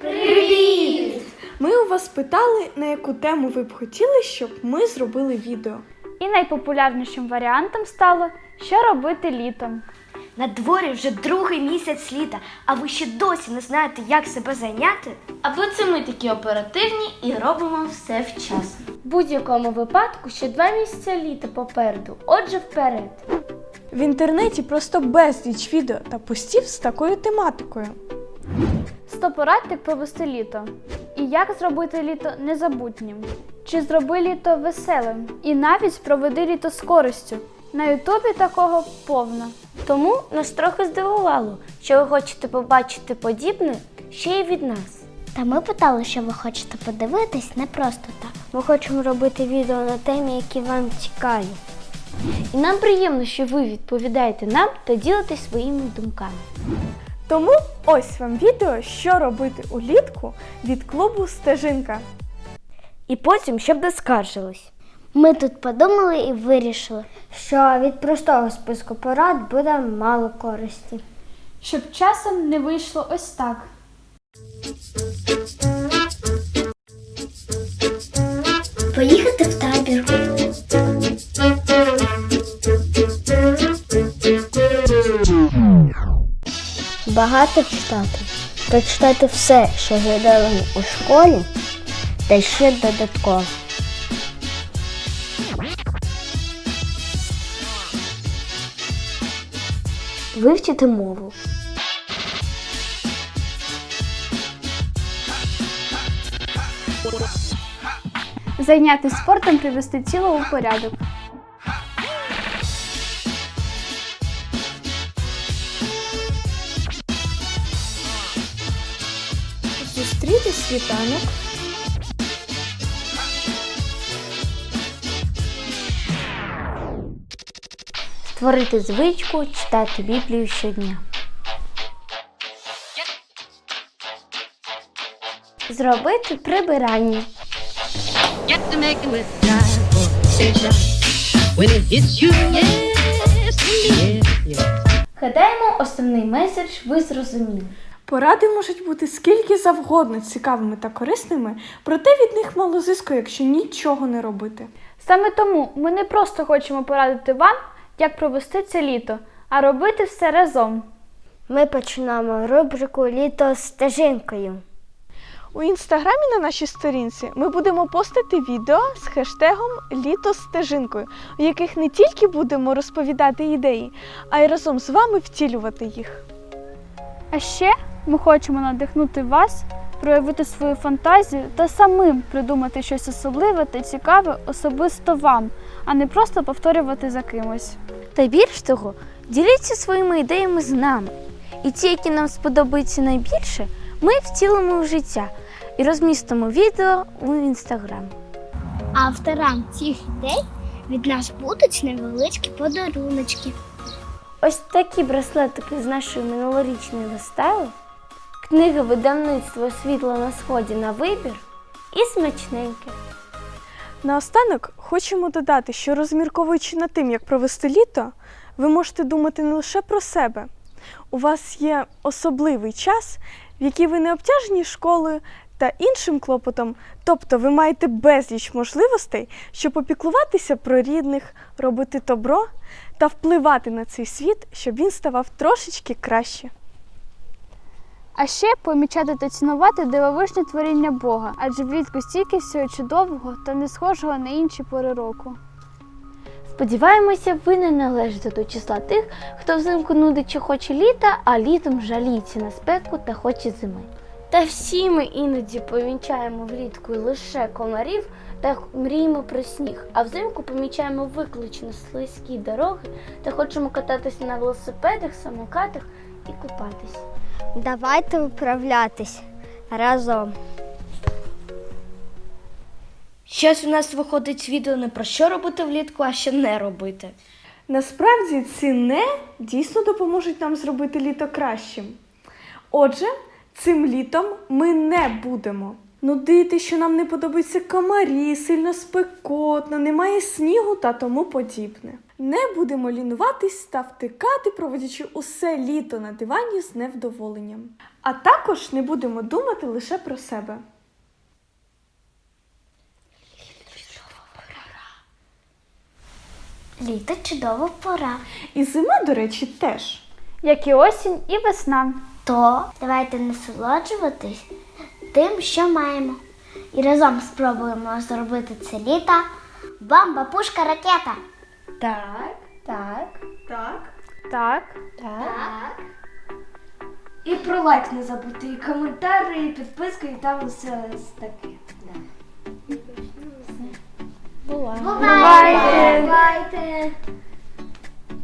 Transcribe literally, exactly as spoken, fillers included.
Привіт! Ми у вас питали, на яку тему ви б хотіли, щоб ми зробили відео. І найпопулярнішим варіантом стало «Що робити літом?». На дворі вже другий місяць літа, а ви ще досі не знаєте, як себе зайняти? Або це ми такі оперативні і робимо все вчасно. В будь-якому випадку ще два місяці літа попереду, отже вперед. В інтернеті просто безліч відео та постів з такою тематикою. сто порад, як провести літо. І як зробити літо незабутнім. Чи зроби літо веселим. І навіть проведи літо з користю. На ютубі такого повно. Тому нас трохи здивувало, що ви хочете побачити подібне ще й від нас. Та ми питали, що ви хочете подивитись не просто так. Ми хочемо робити відео на темі, які вам цікаві. І нам приємно, що ви відповідаєте нам та ділитесь своїми думками. Тому ось вам відео, що робити улітку від клубу «Стежинка». І потім, щоб не скаржились. Ми тут подумали і вирішили, що від простого списку порад буде мало користі. Щоб часом не вийшло ось так. Поїхати в табір. Багато читати. Прочитати все, що глядали у школі, та ще додатково. Вивчити мову. Зайнятися спортом, привести тіло у порядок. Зустріти світанок. Створити звичку читати Біблію щодня. Зробити прибирання. Гадаємо, основний меседж ви зрозуміли. Поради можуть бути скільки завгодно цікавими та корисними, проте від них мало зиску, якщо нічого не робити. Саме тому ми не просто хочемо порадити вам, як провести це літо, а робити все разом. Ми починаємо рубрику «Літо з стежинкою». У інстаграмі на нашій сторінці ми будемо постити відео з хештегом «Літо з стежинкою», у яких не тільки будемо розповідати ідеї, а й разом з вами втілювати їх. А ще ми хочемо надихнути вас, проявити свою фантазію та самим придумати щось особливе та цікаве особисто вам, а не просто повторювати за кимось. Та більш того, діліться своїми ідеями з нами. І ті, які нам сподобаються найбільше, ми втілимо в життя і розмістимо відео у інстаграм. Авторам цих ідей від нас будуть невеличкі подаруночки. Ось такі браслетики з нашої минулорічної вистави, книга видавництва «Світло на сході» на вибір і смачненьке. Наостанок хочемо додати, що розмірковуючи над тим, як провести літо, ви можете думати не лише про себе. У вас є особливий час, в який ви не обтяжені школою та іншим клопотом, тобто ви маєте безліч можливостей, щоб опіклуватися про рідних, робити добро та впливати на цей світ, щоб він ставав трошечки краще. А ще помічати та цінувати дивовижне творіння Бога, адже влітку стільки всього чудового та не схожого на інші пори року. Сподіваємося, ви не належите до числа тих, хто взимку нудить чи хоче літа, а літом жаліється на спеку та хоче зими. Та всі ми іноді помічаємо влітку лише комарів та мріємо про сніг, а взимку помічаємо виключно слизькі дороги та хочемо кататися на велосипедах, самокатах і купатись. Давайте виправлятись разом. Щось у нас виходить відео не про що робити влітку, а що не робити. Насправді ці «не» дійсно допоможуть нам зробити літо кращим. Отже, цим літом ми не будемо нудити, що нам не подобаються комарі, сильно спекотно, немає снігу та тому подібне. Не будемо лінуватись та втикати, проводячи усе літо на дивані з невдоволенням. А також не будемо думати лише про себе. Літо чудова пора. І зима, до речі, теж. Як і осінь, і весна. То давайте насолоджуватись тим, що маємо. І разом спробуємо зробити це літо бамба, пушка, ракета. Так, так, Так. Так. так. І про лайк не забудьте, і коментар, і підписку, і там все таке. Бувайте! Бувайте!